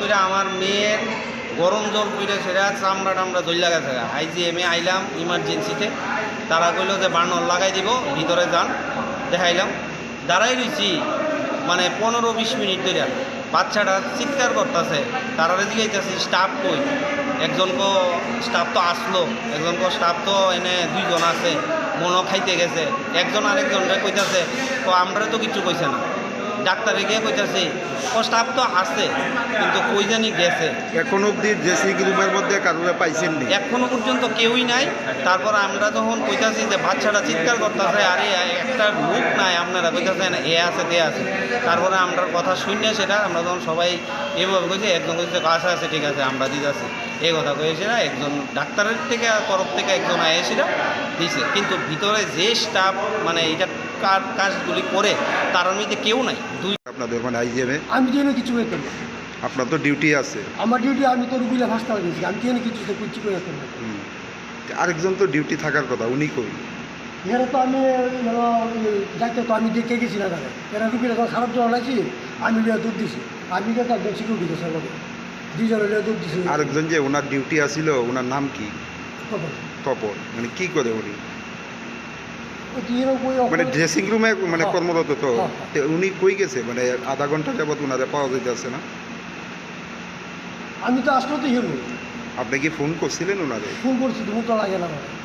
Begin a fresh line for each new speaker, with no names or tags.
করে আমার মেয়ের গরম জল করে সেটা চামড়া টামড়া জ্বল্লা গেছে। আইজিএমে আইলাম ইমার্জেন্সিতে, তারা কইল যে বার্নার লাগাই দিব, ভিতরে যান। দেখাইলাম, দাঁড়াই রয়েছি মানে 15-20 মিনিট ধরে। বাচ্চাটা চিৎকার করতেছে, তারা জিগাইতেছি স্টাফ কই। একজনকে স্টাফ তো আসলো, একজনকে স্টাফ তো এনে 2 জন আছে, মনও খাইতে গেছে। একজন আরেকজনরে কইতাছে তো আমরা তো কিছু কইছে না। ডাক্তারে গিয়ে কইতাছি ও স্টাফ তো আছে কিন্তু কই জানি গেছে।
এখন অবধি ড্রেসিং রুমের মধ্যে কারোরে পাইছেন নি?
এখনো পর্যন্ত কেউই নাই। তারপর আমরা যখন কইতাছি যে বাচ্চাটা চিৎকার করতেছে, আরে একটা লোক নাই, আপনারা কইতাছেন এ আছে তে আছে। তারপরে আমরা কথা শুনে সেটা আমরা যখন সবাই এভাবে কইছি, একজন কইছে কাছে আছে, ঠিক আছে আমরা দিতেছি, এই কথা কয়েছে না। একজন ডাক্তারের থেকে তরফ থেকে একজন আয়েছিল দিছে, কিন্তু ভিতরে যে স্টাফ মানে এটা কাজগুলি করে তার মধ্যে কেউ নাই।
আপনাদের মানে আইজিএমে
আমি তো এনে কিছু করতাম না।
আপনার তো ডিউটি আছে।
আমার ডিউটি, আমি তো রুগীরা হাসপাতালে গেছি, আমি তো এনে কিছু করে করতাম না।
আরেকজন তো ডিউটি থাকার কথা, উনি কই?
এরা তো আমি যাইতে তো আমি দেখে গেছি না তারা, এরা রুগীরা তো খারাপ জল আছি, আমি লিয়ে দুধ দিছি, আমি লিয়ে তার সিকিউরিটি গেছে আমাকে 2 জন লিয়ে দুধ দিছি।
আরেকজন যে ওনার ডিউটি আসিল, ওনার নাম কি? তপন। মানে কি করে উনি? মানে ড্রেসিং রুমে মানে কর্মরত তো। উনি কই গেছে? মানে আধা ঘন্টা যাবত ওনারে পাওয়া যাইতেছে না।
আমি তো আসলে তো হিরো।
আপনি কি ফোন করছিলেন ওনারে?
ফোন করছি, তো মুখটা লাগে না আমার।